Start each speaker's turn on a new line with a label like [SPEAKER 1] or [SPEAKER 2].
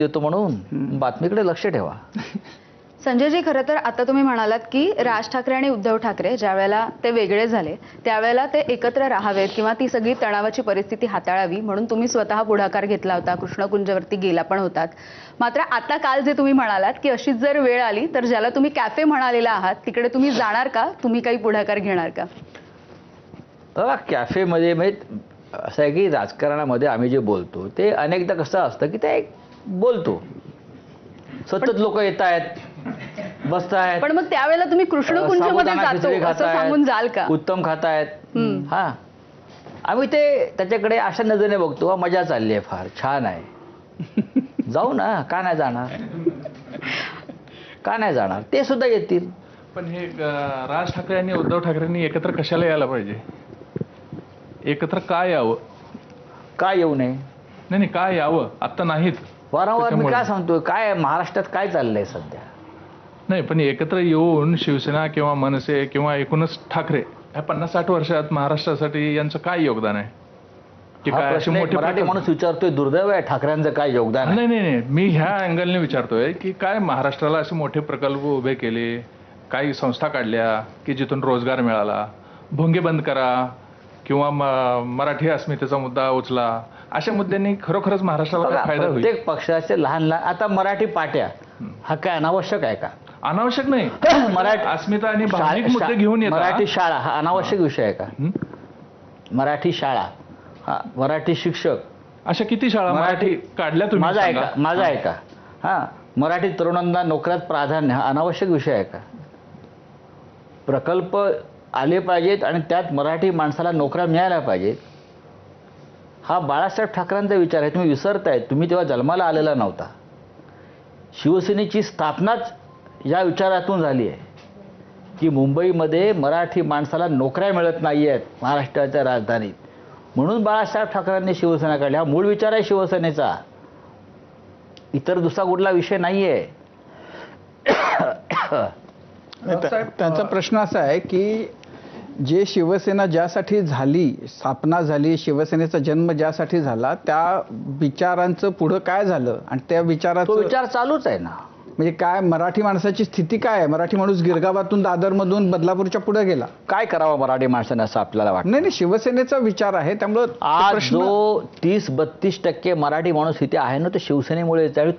[SPEAKER 1] देतो म्हणून बातमीकडे लक्ष ठेवा.
[SPEAKER 2] संजयजी, खरं तर आता तुम्ही म्हणालात की राज ठाकरे आणि उद्धव ठाकरे ज्या वेळेला ते वेगळे झाले त्यावेळेला ते एकत्र राहावेत किंवा ती सगळी तणावाची परिस्थिती हाताळावी म्हणून तुम्ही स्वतः पुढाकार घेतला होता, कृष्णकुंजवरती गेला पण होतात. मात्र आता काल जे तुम्ही म्हणालात की अशीच जर वेळ आली तर ज्याला तुम्ही कॅफे म्हणालेला आहात तिकडे तुम्ही जाणार का, तुम्ही काही पुढाकार घेणार का?
[SPEAKER 1] बघा, कॅफेमध्ये म्हणजे असं आहे की राजकारणामध्ये आम्ही जे बोलतो ते अनेकदा कसं असतं की ते बोलतो, सतत लोक येत आहेत, बसतायत,
[SPEAKER 2] पण मग त्यावेळेला तुम्ही कृष्णकुंजमध्ये जातो असं सांगून जाल का?
[SPEAKER 1] उत्तम खातायत. हा, आम्ही ते त्याच्याकडे अशा नजरेने बघतो, "वा, मजा चालली आहे, फार छान आहे, जाऊ ना, का नाही जाणार, का नाही जाणार, ते सुद्धा येतील."
[SPEAKER 3] पण हे राज ठाकरे आणि उद्धव ठाकरेंनी एकत्र कशाला यायला पाहिजे? एकत्र का यावं?
[SPEAKER 1] का येऊ नये?
[SPEAKER 3] नाही, का यावं? आता नाहीत
[SPEAKER 1] वारंवार मी काय सांगतोय, काय महाराष्ट्रात काय चाललंय सध्या?
[SPEAKER 3] नाही, पण एकत्र येऊन शिवसेना किंवा मनसे किंवा एकूणच ठाकरे ह्या 50-60 वर्षात महाराष्ट्रासाठी यांचं काय योगदान आहे की
[SPEAKER 1] हा
[SPEAKER 3] काय?
[SPEAKER 1] प्रश्न एक मराठी माणूस विचारतोय, दुर्दैव आहे ठाकरेंचं काय योगदान आहे?
[SPEAKER 3] नाही, मी ह्या अँगलने विचारतोय की काय महाराष्ट्राला असे मोठे प्रकल्प उभे केले, काही संस्था काढल्या की जिथून रोजगार मिळाला, भोंगे बंद करा किंवा मराठी अस्मितेचा मुद्दा उचला, अशा मुद्द्यांनी खरोखरच महाराष्ट्राला फायदा होईल.
[SPEAKER 1] प्रत्येक पक्षाचे लहान लहान, आता मराठी पाट्या हा काय अनावश्यक आहे का?
[SPEAKER 3] अनावश्यक नाही.
[SPEAKER 1] मराठी
[SPEAKER 3] अस्मिता आणि भावनिक मुद्दे घेऊन येतात.
[SPEAKER 1] मराठी शाळा हा अनावश्यक विषय आहे का? मराठी शाळा, हा मराठी शिक्षक,
[SPEAKER 3] अशा किती शाळा मराठी काढल्या तुम्ही?
[SPEAKER 1] माझा आहे का? हा, मराठी तरुणांना नोकऱ्यात प्राधान्य हा अनावश्यक विषय आहे का? प्रकल्प आले पाहिजेत आणि त्यात मराठी माणसाला नोकऱ्या मिळाल्या पाहिजेत, हा बाळासाहेब ठाकरेंचा विचार आहे. तुम्ही विसरताय, तुम्ही तेव्हा जन्माला आलेला नव्हता. शिवसेनेची स्थापनाच या विचारातून झाली आहे की मुंबईमध्ये मराठी माणसाला नोकऱ्या मिळत नाही आहेत महाराष्ट्राच्या राजधानीत, म्हणून बाळासाहेब ठाकरेंनी शिवसेना काढली. हा मूळ विचार आहे शिवसेनेचा, इतर दुसरा कुठला विषय नाही आहे.
[SPEAKER 4] त्यांचा प्रश्न असा आहे की जे शिवसेना ज्यासाठी झाली, स्थापना झाली, शिवसेनेचा जन्म ज्यासाठी झाला, त्या विचारांचं पुढं काय झालं आणि त्या
[SPEAKER 1] तो विचार चालूच आहे ना.
[SPEAKER 4] म्हणजे काय मराठी माणसाची स्थिती काय आहे? मराठी माणूस गिरगावातून दादरमधून बदलापूरच्या पुढे गेला,
[SPEAKER 1] काय करावं मराठी माणसाने असं आपल्याला वाटतं?
[SPEAKER 4] नाही, शिवसेनेचा विचार आहे. त्यामुळं
[SPEAKER 1] आज जो 30-32% मराठी माणूस इथे आहे ना, तो शिवसेनेमुळे